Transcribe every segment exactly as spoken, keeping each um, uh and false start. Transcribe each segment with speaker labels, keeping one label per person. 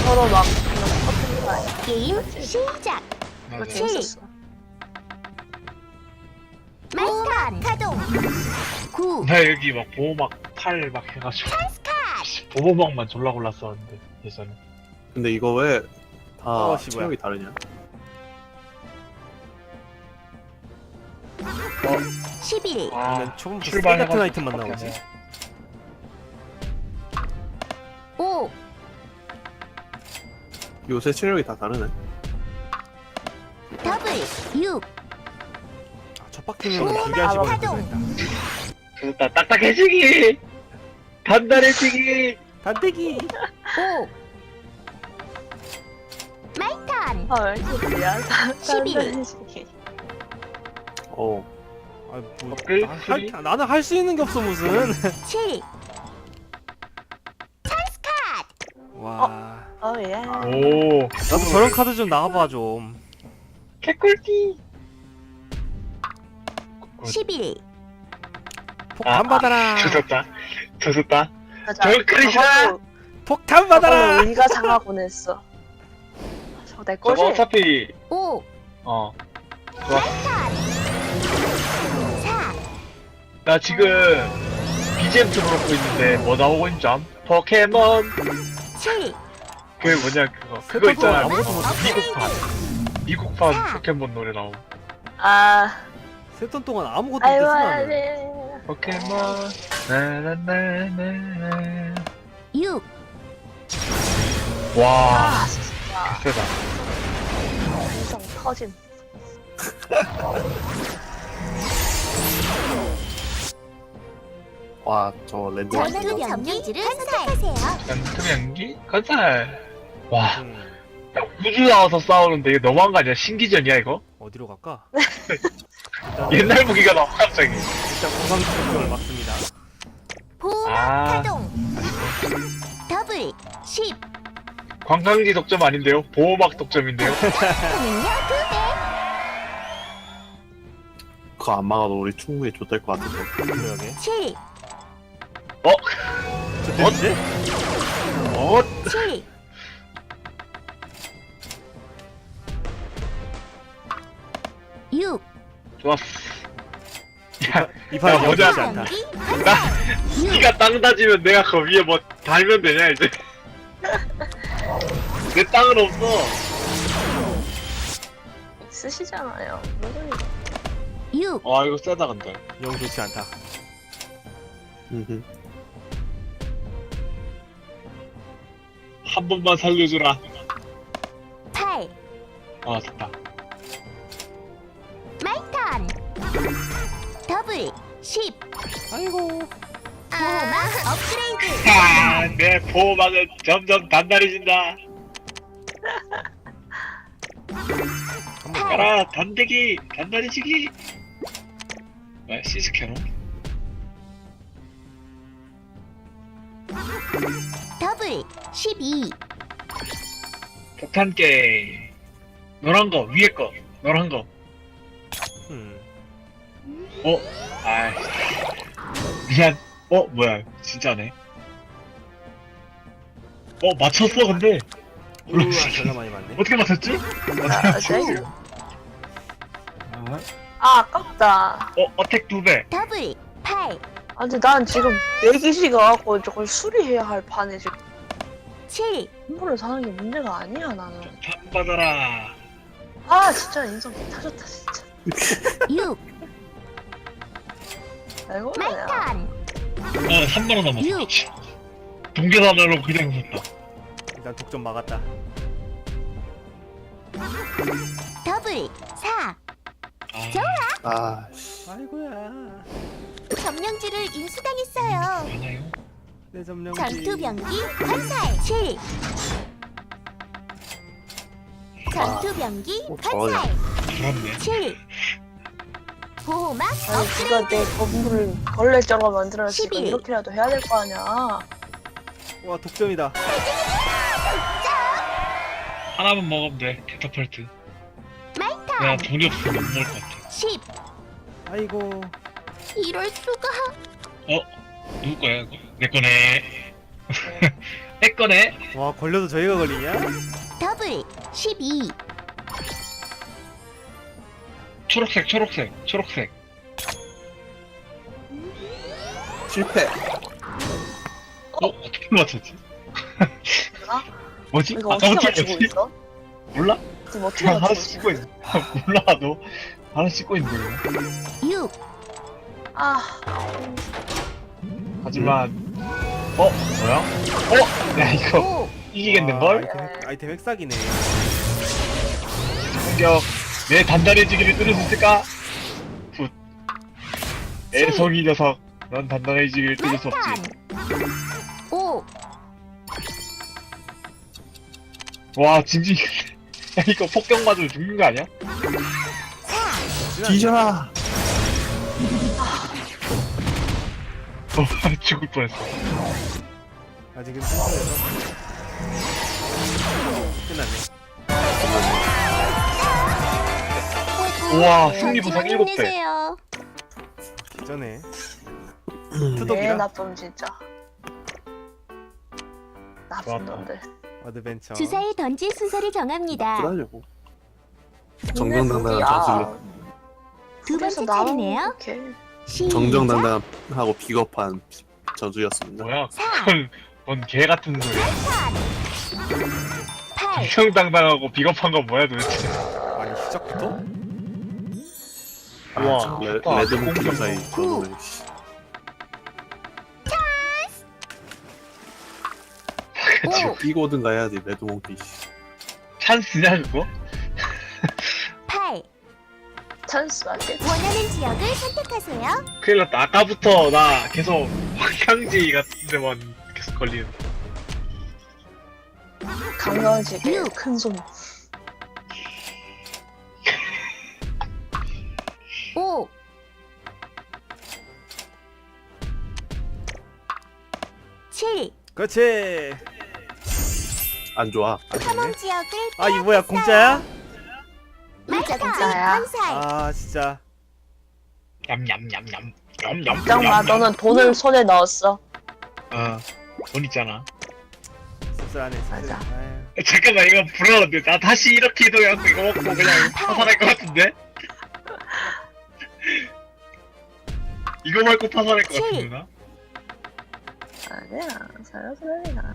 Speaker 1: 서로 막 그냥 터뜨리는 거 아니야?
Speaker 2: 게임 시작.
Speaker 1: 그거
Speaker 3: 맞아.
Speaker 1: 재밌었어.
Speaker 2: 마이턴 가동. 구.
Speaker 3: 나 여기 막 보호막 팔 막 해가지고 보호막만 졸라 골랐었는데 예전에.
Speaker 4: 근데 이거 왜 다
Speaker 5: 어, 씨, 뭐야.
Speaker 4: 체력이 다르냐?
Speaker 2: 십일.
Speaker 3: 아
Speaker 5: 난 초반부터
Speaker 3: 출발해가지고
Speaker 5: 세가트 아이템만 나오지.
Speaker 3: 바뀌었네.
Speaker 2: 오.
Speaker 4: 요새 체력이 다 다르네.
Speaker 2: 더블. 육.
Speaker 5: 아, 첫 바퀴면 기계하시고
Speaker 2: 가동.
Speaker 5: 했다.
Speaker 3: 좋다. 딱딱해지기 단단해지기.
Speaker 5: 단대기.
Speaker 2: 오. 마이턴.
Speaker 1: 아, 왜 이렇게 미안하다.
Speaker 2: 십일.
Speaker 4: 어.
Speaker 5: 아, 뭐,
Speaker 3: 끌?
Speaker 5: 나 할, 나는 할 수 있는 게 없어 무슨.
Speaker 2: 칠.
Speaker 5: 와.
Speaker 1: 어, 예.
Speaker 3: 오
Speaker 5: 나도 저런 카드 좀 나와봐 좀.
Speaker 3: 개꿀띠.
Speaker 2: 십일.
Speaker 5: 폭탄 받아라.
Speaker 3: 조졌다. 조졌다.
Speaker 1: 맞아.
Speaker 3: 저거 그릇이다.
Speaker 1: 저걸로-
Speaker 5: 폭탄 받아라.
Speaker 1: 저걸로 의가 상하곤 했어. 저거 내 거지?
Speaker 3: 저거 어차피
Speaker 2: 오.
Speaker 3: 어. 좋아.
Speaker 2: 사.
Speaker 3: 나 지금 비지엠 틀어놓고 있는데 뭐 나오고 있는지 암? 포켓몬.
Speaker 2: 칠.
Speaker 3: 그게 뭐냐 그거. 그거
Speaker 5: 세탁도
Speaker 3: 있잖아.
Speaker 5: 아무것도 못해.
Speaker 3: 미국판. 미국판 포켓몬 노래 나옴.
Speaker 1: 아,
Speaker 5: 세 턴 동안 아무것도
Speaker 1: 아이고,
Speaker 5: 못했어 나는.
Speaker 1: 아이고.
Speaker 3: 포켓몬. 나나나나나.
Speaker 2: 육.
Speaker 3: 와.
Speaker 1: 아, 진짜.
Speaker 3: 세다.
Speaker 1: 인성 터짐.
Speaker 4: 와, 저 랜드.
Speaker 2: 전투 병기지를 선택하세요.
Speaker 3: 연투 연기? 건설. 와.
Speaker 5: 음,
Speaker 3: 야, 우주 나와서 싸우는데 이거 너무한 거 아니야? 신기전이야 이거?
Speaker 5: 어디로 갈까?
Speaker 3: 옛날 무기가 나와 갑자기.
Speaker 5: 일단 공방 특종을 막습니다.
Speaker 2: 보호막
Speaker 3: 아.
Speaker 2: 가동. 더블. 십.
Speaker 3: 관광지 독점 아닌데요? 보호막 독점인데요?
Speaker 2: 하는요 두 배.
Speaker 4: 그거 안 막아도 우리 충분히 좆될 것 같은데.
Speaker 5: 그러게.
Speaker 2: 칠.
Speaker 3: 어?
Speaker 5: 저 때문에?
Speaker 3: 어?
Speaker 2: 칠. 육.
Speaker 3: 좋았어. 야,
Speaker 5: 이 판은
Speaker 3: 야, 뭐냐.
Speaker 5: 영리하지 않다.
Speaker 2: 병기
Speaker 3: 나,
Speaker 2: 육.
Speaker 3: 니가 땅 다지면 내가 그 위에 뭐 달면 되냐 이제? 내 땅은 없어.
Speaker 1: 쓰시잖아요. 무슨 소리?
Speaker 2: 육.
Speaker 3: 아 이거 세다 근데.
Speaker 5: 영 좋지 않다.
Speaker 4: 음흠.
Speaker 3: 한 번만 살려주라.
Speaker 2: 팔.
Speaker 3: 아 됐다.
Speaker 2: 마이턴. 더블. 십.
Speaker 5: 아이고.
Speaker 2: 보호막 업그레이드.
Speaker 3: 아, 내 보호막은 점점 단단해진다.
Speaker 5: 한번
Speaker 2: 팔.
Speaker 3: 가라 단대기 단단해지기. 뭐야 시스케로?
Speaker 2: 더블. 십이.
Speaker 3: 폭탄 게임. 노란 거 위에 거 노란 거.
Speaker 5: 음.
Speaker 3: 어? 아이 미안. 어 뭐야 진짜네. 어 맞췄어 근데
Speaker 5: 우와 전화 많이 받네.
Speaker 3: 어떻게 맞췄지? 어떻게
Speaker 1: 아,
Speaker 3: 맞췄지?
Speaker 1: 네.
Speaker 3: 아,
Speaker 1: 아, 아깝다.
Speaker 3: 어 어택 두 배.
Speaker 2: 더블. 팔.
Speaker 1: 아, 근데 난 지금 내기시가 갖고 저걸 수리해야 할 판에 지금
Speaker 2: 칠.
Speaker 1: 선물을 사는 게 문제가 아니야, 나는.
Speaker 3: 판 받아라.
Speaker 1: 아, 진짜 인성 타졌다, 진짜.
Speaker 2: 육.
Speaker 1: 아이고, 야.
Speaker 2: 마이턴.
Speaker 3: 어 삼만 원 남았어.
Speaker 2: 육.
Speaker 3: 동계산으로 그냥 샀다.
Speaker 5: 일단 독점 막았다.
Speaker 2: 더블. 사.
Speaker 3: 아,
Speaker 4: 아, 씨.
Speaker 5: 아이고야.
Speaker 2: 점령지를 인수당했어요.
Speaker 3: 많아요.
Speaker 5: 내 점령지.
Speaker 2: 전투 병기 건설. 칠. 전투 병기
Speaker 4: 어,
Speaker 2: 건설.
Speaker 3: 부럽네.
Speaker 2: 칠. 보호막
Speaker 1: 아니, 누가 내
Speaker 2: 업그레이드.
Speaker 1: 건물을 벌레처럼 만들어놨으니까
Speaker 2: 십일.
Speaker 1: 이렇게라도 해야 될 거 아니야.
Speaker 5: 와 독점이다.
Speaker 3: 하나만 먹으면 돼. 캐터펄트. 내가
Speaker 2: 마이턴.
Speaker 3: 돈이 없으면 못 먹을 것 같아.
Speaker 2: 십.
Speaker 5: 아이고.
Speaker 2: 이럴 수가.
Speaker 3: 어? 누구 거야 이거? 내 거네. 내 거네.
Speaker 5: 와 걸려도 저희가 걸리냐?
Speaker 2: 더블 십이.
Speaker 3: 초록색, 초록색, 초록색.
Speaker 4: 실패.
Speaker 3: 어? 어떻게 맞췄지?
Speaker 1: 아?
Speaker 3: 뭐지?
Speaker 1: 이거 어떻게
Speaker 3: 아까부터
Speaker 1: 맞추고
Speaker 3: 뭐지?
Speaker 1: 있어?
Speaker 3: 몰라?
Speaker 1: 지금 어떻게
Speaker 3: 그냥 하나
Speaker 1: 맞추고 있어?
Speaker 3: 씻고 있어. 몰라, 너. 하나 씻고 있는데. 그냥.
Speaker 2: 육.
Speaker 1: 아,
Speaker 3: 하지만, 어? 뭐야? 어? 야, 이거
Speaker 2: 오.
Speaker 3: 이기겠는걸?
Speaker 5: 와, 아이템, 아이템 획삭이네.
Speaker 3: 공격. 내 단단해지기를 뚫을 수 있을까? 굿. 애송이 녀석. 넌 단단해지기를 뚫을 수 없지.
Speaker 2: 오.
Speaker 3: 와, 진지. 야, 이거 폭격 맞으면 죽는 거 아니야?
Speaker 4: 뒤져라.
Speaker 3: 어, 죽을 뻔했어.
Speaker 5: 아직은 순서에서 끝났네.
Speaker 3: 우와, 승리 보상 일곱 배.
Speaker 2: 힘내세요.
Speaker 5: 기전에
Speaker 1: 내
Speaker 5: 투독이라
Speaker 1: 나쁨 진짜. 나쁜
Speaker 3: 좋았다.
Speaker 1: 놈들.
Speaker 5: 어드벤처.
Speaker 2: 주사위 던질 순서를 정합니다.
Speaker 4: 그러려고. 정정당당한 단수를.
Speaker 2: 두 번째 차례네요.
Speaker 1: 오케이.
Speaker 2: 시작.
Speaker 4: 정정당당하고 비겁한 저주였습니다.
Speaker 3: 뭐야?
Speaker 2: 사.
Speaker 3: 그건, 그건 개 같은 소리야.
Speaker 2: 팔.
Speaker 3: 정정당당하고 비겁한 건 뭐야 도대체?
Speaker 5: 아니 시작부터?
Speaker 4: 아,
Speaker 3: 우와,
Speaker 4: 참, 레,
Speaker 3: 좋다.
Speaker 4: 레드몽키
Speaker 3: 공정.
Speaker 4: 사이 저는 씨.
Speaker 2: 오.
Speaker 4: 뛰고든가 해야지 레드몽키 씨.
Speaker 3: 찬스냐 그거?
Speaker 2: 팔.
Speaker 1: 찬스 맞겠지?
Speaker 2: 원하는 지역을 선택하세요.
Speaker 3: 큰일 났다. 아까부터 나 계속 황향지 같은 데만 계속 걸리는.
Speaker 1: 강강지게
Speaker 2: 육.
Speaker 1: 큰 손.
Speaker 2: 오. 칠.
Speaker 5: 그렇지.
Speaker 4: 안 좋아. 안 좋네.
Speaker 2: 탐험 지역을
Speaker 5: 아 이 뭐야 공짜야?
Speaker 2: 말까
Speaker 1: 공짜야.
Speaker 2: 건설.
Speaker 5: 아 진짜.
Speaker 3: 냠냠냠냠. 냠냠.
Speaker 1: 걱정마, 너는 돈을 손에 넣었어.
Speaker 3: 어, 돈 있잖아.
Speaker 5: 씁쓸하네. 씁쓸해.
Speaker 1: 맞아.
Speaker 5: 아유.
Speaker 3: 잠깐만 이거 부러운데 나 다시 이렇게 이동해갖고 이거 먹고 그냥 파산할 것 같은데? 이거 말고 파산할 것 같은데 나?
Speaker 1: 아니야, 살려서 그냥.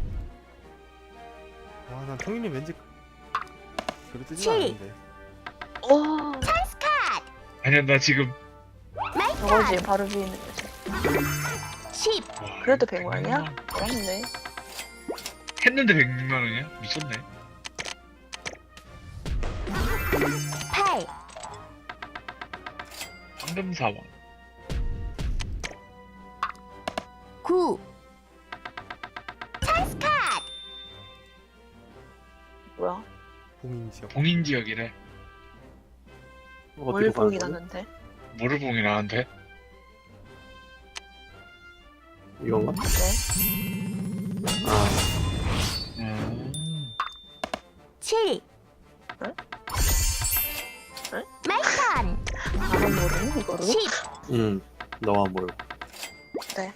Speaker 5: 와난 통일님 왠지 그렇듯이
Speaker 2: 칠.
Speaker 5: 않은데.
Speaker 1: 오,
Speaker 3: 아니야 나 지금
Speaker 1: 저거지, 바로 비는 거지.
Speaker 2: 십.
Speaker 3: 와,
Speaker 1: 그래도
Speaker 3: 이거
Speaker 1: 백만이야?
Speaker 3: 백만 원.
Speaker 1: 그렇네.
Speaker 3: 했는데 백만 원이야? 미쳤네.
Speaker 2: 팔.
Speaker 3: 황금 사원.
Speaker 2: 구.
Speaker 1: 뭐야?
Speaker 5: 봉인 지역.
Speaker 3: 봉인 지역이래.
Speaker 4: 어디로
Speaker 1: 뭘
Speaker 4: 가는
Speaker 1: 보긴
Speaker 4: 거야?
Speaker 1: 하는데?
Speaker 3: 뭐를 봉인하는데?
Speaker 4: 이건가?
Speaker 1: 네?
Speaker 4: 아,
Speaker 3: 음.
Speaker 2: 칠.
Speaker 1: 응? 응?
Speaker 2: 말탄.
Speaker 1: 나만 모르는 이거를?
Speaker 2: 십.
Speaker 4: 응. 너만 몰라.
Speaker 1: 네.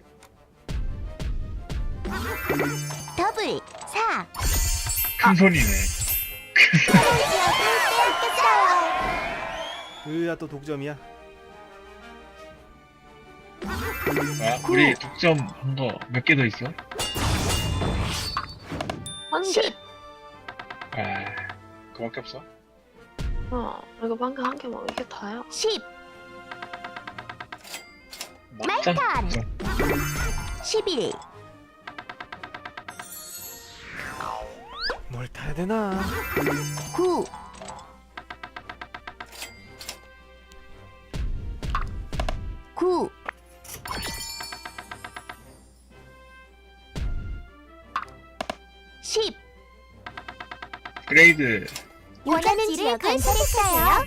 Speaker 2: 더블. 사.
Speaker 3: 큰 손이네.
Speaker 2: 탐험 지역을 빼앗겼어요.
Speaker 5: 으야 또 독점이야.
Speaker 3: 뭐야? 우리 독점 한 거 몇 개 더 있어?
Speaker 1: 한 개.
Speaker 2: 십.
Speaker 3: 아, 그밖에 없어?
Speaker 1: 어, 이거 방금 한 개 먹어. 이게 다야.
Speaker 2: 십.
Speaker 3: 막장
Speaker 2: 말탄.
Speaker 3: 독점.
Speaker 2: 십일.
Speaker 5: 뭘 타야 되나?
Speaker 2: 구. 구. 십.
Speaker 3: 그레이드.
Speaker 2: 원하는 지역을 건설했어요.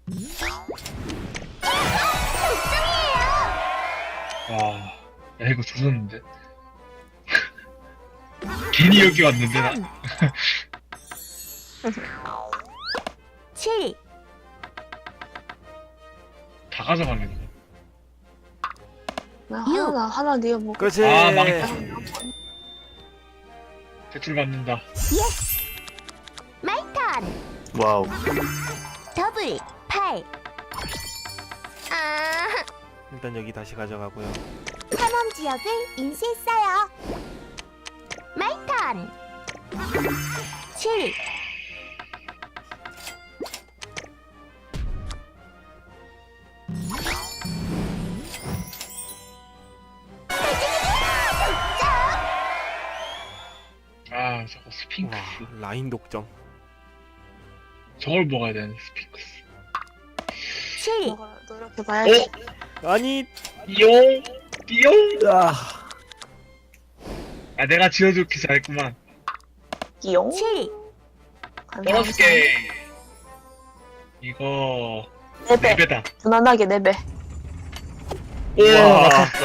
Speaker 3: 와, 야 이거 조졌는데? 괜히 여기 왔는데 나?
Speaker 2: 칠.
Speaker 3: 다 가져가네.
Speaker 1: 나
Speaker 2: 육.
Speaker 1: 하나, 나 하나 네가 먹고.
Speaker 5: 그렇지.
Speaker 3: 아, 망했다. 대출 받는다.
Speaker 2: 예스. 마이 턴.
Speaker 4: 와우.
Speaker 2: 더블 팔. 아,
Speaker 5: 일단 여기 다시 가져가고요.
Speaker 2: 탐험 지역을 인수했어요. 마이 턴. 칠.
Speaker 3: 아 저거 스핑크스.
Speaker 5: 와, 라인 독점.
Speaker 3: 저걸 먹어야 되는 스핑크스.
Speaker 2: 칠.
Speaker 1: 너가 노력해봐야지.
Speaker 3: 어?
Speaker 5: 아니,
Speaker 3: 띠용 띠용.
Speaker 4: 아,
Speaker 3: 아 내가 지어주기 잘했구만.
Speaker 1: 이용.
Speaker 2: 칠.
Speaker 3: 보너스 게임. 이거
Speaker 1: 네 배.
Speaker 3: 네 배다.
Speaker 1: 무난하게 네 배.
Speaker 3: 우와
Speaker 5: 와.
Speaker 3: 맞았어.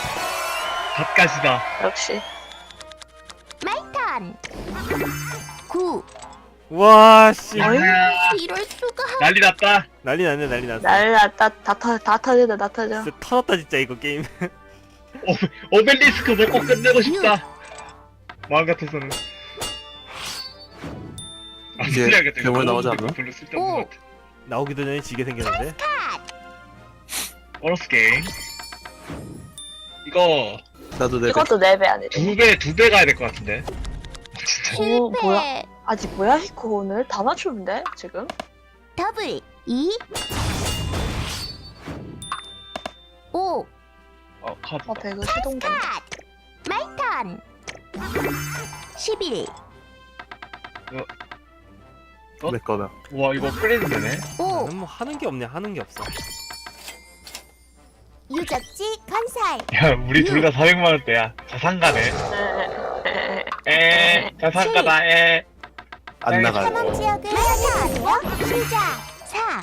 Speaker 3: 갓가시다.
Speaker 1: 역시.
Speaker 2: 마이 턴. 구.
Speaker 5: 와, 씨.
Speaker 1: 어이?
Speaker 2: 이럴 수가.
Speaker 3: 난리 났다.
Speaker 5: 난리 났네, 난리 났어.
Speaker 1: 난리 났다. 다 터, 다 터진다, 다 터져.
Speaker 5: 진짜 터졌다, 진짜, 이거 게임.
Speaker 3: 오벨리스크 먹고 끝내고 싶다. 마음 같아서는. 아,
Speaker 4: 이제
Speaker 3: 풀려야겠다.
Speaker 4: 괴물
Speaker 3: 이거
Speaker 4: 나오지
Speaker 3: 먹어도
Speaker 4: 않나?
Speaker 3: 별로 쓸데없는 것 같아.
Speaker 5: 나오기도 전에 지게 생겼는데.
Speaker 3: 보너스 게임. 이거
Speaker 4: 나도 내
Speaker 1: 이것도 네 배 아니래.
Speaker 3: 두 배, 두 배 가야 될 것 같은데. 진짜.
Speaker 1: 오, 뭐야?
Speaker 2: 실패.
Speaker 1: 아직 뭐야, 히코 오늘? 다 맞추는데, 지금?
Speaker 2: 더블 이. 오.
Speaker 3: 어, 카드.
Speaker 1: 어, 배그 시동전.
Speaker 2: 컷. 마이 턴. 십일.
Speaker 3: 어?
Speaker 4: 내 거다.
Speaker 3: 와, 이거 업그레이드 되네.
Speaker 2: 오.
Speaker 5: 나는 뭐 하는 게 없네, 하는 게 없어.
Speaker 2: 유적지 건설.
Speaker 3: 야, 우리 둘 다 사백만 원대야. 자산가네.
Speaker 1: 네.
Speaker 3: 에, 자산가다, 에.
Speaker 4: 안
Speaker 3: 네.
Speaker 4: 나가요.
Speaker 2: 탐험 지역을 찾아가세요. 시작. 사.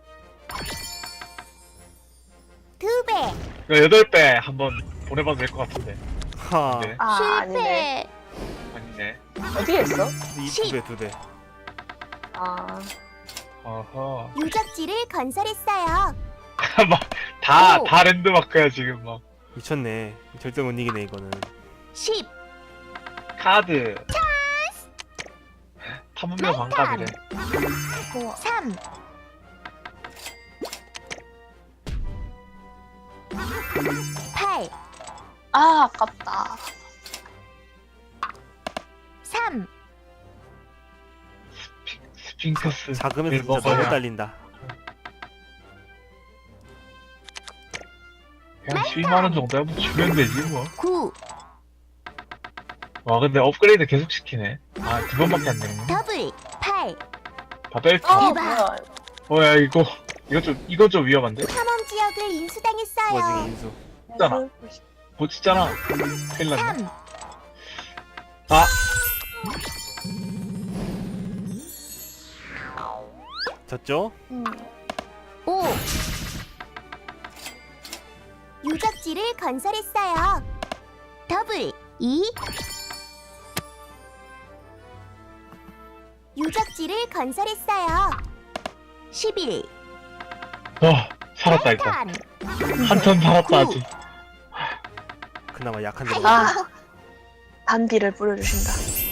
Speaker 2: 두 배.
Speaker 3: 이거 여덟 배 한번 보내봐도 될 것 같은데.
Speaker 5: 하.
Speaker 3: 네.
Speaker 1: 아, 아니네.
Speaker 3: 아니네.
Speaker 1: 어디에 있어?
Speaker 5: 이
Speaker 2: 십.
Speaker 5: 두 배, 두 배.
Speaker 1: 아,
Speaker 3: 어허.
Speaker 2: 유적지를 건설했어요.
Speaker 3: 막, 다,
Speaker 2: 오.
Speaker 3: 다 랜드마크야, 지금 막.
Speaker 5: 미쳤네. 절대 못 이기네, 이거는.
Speaker 2: 십.
Speaker 3: 카드. 탐험료 반값이래.
Speaker 1: 우와.
Speaker 2: 삼. 팔.
Speaker 1: 아, 아깝다.
Speaker 2: 삼.
Speaker 3: 스핑크스.
Speaker 5: 작으면서 진짜
Speaker 3: 먹어야.
Speaker 5: 너무 딸린다.
Speaker 3: 그냥 십이만 원 정도 한번 주면 되지, 뭐.
Speaker 2: 구.
Speaker 3: 와, 근데 업그레이드 계속 시키네. 아, 두 번밖에 안 되는 거야.
Speaker 2: 더블 팔.
Speaker 3: 바벨트.
Speaker 1: 어,
Speaker 2: 대박.
Speaker 1: 뭐야.
Speaker 3: 어, 야, 이거. 이거 좀, 이거 좀 위험한데?
Speaker 2: 탐험 지역을 인수당했어요.
Speaker 5: 와중에 인수.
Speaker 3: 있잖아. 고치잖아. 큰일 났네.
Speaker 2: 삼.
Speaker 3: 아,
Speaker 5: 졌죠?
Speaker 1: 음.
Speaker 2: 오. 유적지를 건설했어요. 더블 이. 유적지를 건설했어요. 십일.
Speaker 3: 어, 살았다, 일단.
Speaker 2: 턴.
Speaker 3: 한 턴 살았다,
Speaker 2: 구.
Speaker 3: 아직.
Speaker 5: 그나마 약한 데.
Speaker 1: 아, 단비를 뿌려주신다.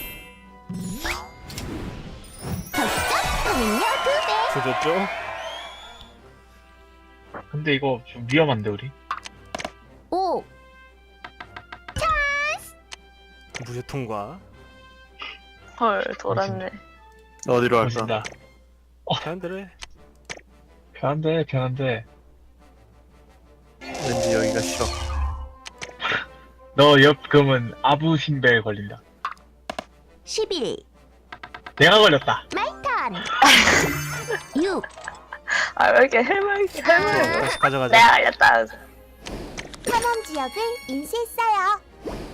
Speaker 2: 덕점은요 두 배.
Speaker 5: 조졌죠?
Speaker 3: 근데 이거 좀 위험한데, 우리?
Speaker 2: 오.
Speaker 5: 무효 통과.
Speaker 1: 헐, 돌았네.
Speaker 4: 어디로 할까?
Speaker 3: 보신다.
Speaker 5: 사람대로 해.
Speaker 3: 편한데, 편한데.
Speaker 4: 왠지 여기가 싫어.
Speaker 3: 너 옆 금은 아부신배에 걸린다.
Speaker 2: 십일.
Speaker 3: 내가 걸렸다.
Speaker 2: 마이 턴. 육.
Speaker 1: 아, 왜 이렇게 헬멧, 헬멧.
Speaker 5: 다시 가져가자.
Speaker 1: 내가 알렸다.
Speaker 2: 탐험 지역을 인수했어요.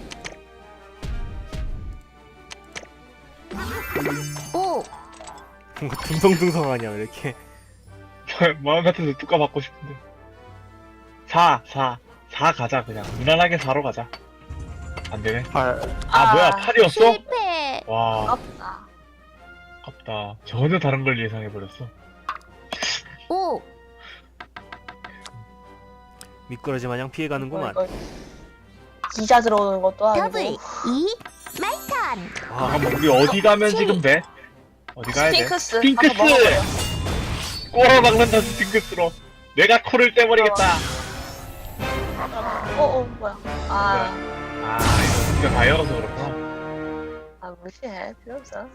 Speaker 2: 오.
Speaker 5: 뭔가 둥성둥성하냐, 왜 이렇게.
Speaker 3: 마음 같아서 뚜까 받고 싶은데. 사, 사. 사 가자, 그냥. 무난하게 사로 가자. 안 되네.
Speaker 4: 팔.
Speaker 3: 아, 뭐야, 팔이었어?
Speaker 2: 실패.
Speaker 3: 와,
Speaker 1: 아깝다.
Speaker 3: 아깝다. 전혀 다른 걸 예상해버렸어.
Speaker 2: 오.
Speaker 5: 미끄러지 마냥 피해가는구만.
Speaker 1: 이거, 이거 기자 들어오는 것도
Speaker 2: 더블
Speaker 1: 아니고.
Speaker 2: 이. 마이 턴.
Speaker 3: 잠깐만 우리 어디 가면
Speaker 2: 치.
Speaker 3: 지금 돼? 어디 가야 돼?
Speaker 1: 스핑크스.
Speaker 3: 스핑크스!
Speaker 1: 한번 먹어보려.
Speaker 3: 꼬라 박는다 스핑크스로. 내가 코를 떼버리겠다.
Speaker 1: 어, 어, 뭐야. 아,
Speaker 3: 아 이거 진짜 바이러스 그렇구나.
Speaker 1: 아, 무시해. 필요 없어.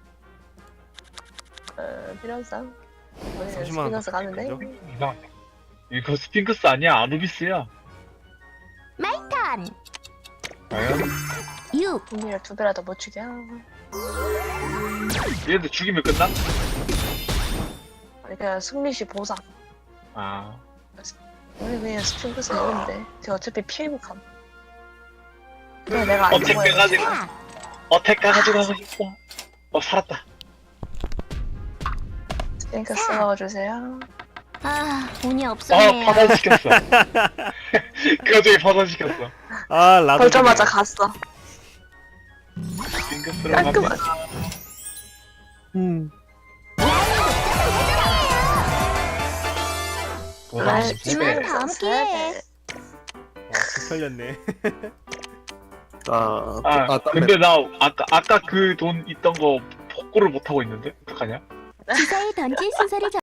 Speaker 1: 어, 필요 없어. 우리는
Speaker 5: 삼십만 원
Speaker 1: 스피너스 가면 돼.
Speaker 5: 그죠?
Speaker 3: 이상하다. 이거 스핑크스 아니야 아누비스야.
Speaker 2: 마이턴.
Speaker 3: 과연?
Speaker 2: 육.
Speaker 1: 분위를 두 배라도 못 주게 하고.
Speaker 3: 얘들 죽이면 끝나?
Speaker 1: 아니, 그냥 승리시 보상.
Speaker 3: 아
Speaker 1: 우리 그냥 스핑크스 먹으면 돼. 쟤 어차피 피해복함. 그래, 내가 안
Speaker 3: 어택
Speaker 1: 먹어야
Speaker 3: 빼가지고
Speaker 2: 사.
Speaker 3: 어택 가가지고 하고 싶어. 어 살았다.
Speaker 1: 스핑크스 먹어주세요.
Speaker 2: 아, 운이
Speaker 3: 어
Speaker 2: 없었네요.
Speaker 3: 파산시켰어. 그 와중에 파산시켰어.
Speaker 5: 아 라도
Speaker 1: 걸자마자 갔어.
Speaker 3: 스핑크스로 갑니다.
Speaker 1: 깔끔하게.
Speaker 4: 음.
Speaker 3: 보상
Speaker 1: 아이,
Speaker 3: 두 배.
Speaker 2: 다음 기회에.
Speaker 5: 와 털렸네.
Speaker 4: 아,
Speaker 3: 아,
Speaker 4: 아, 땀
Speaker 3: 근데 나 아까 아까 그 돈 있던 거 복구를 못 하고 있는데 어떡하냐?
Speaker 2: 주사위 던질 순서를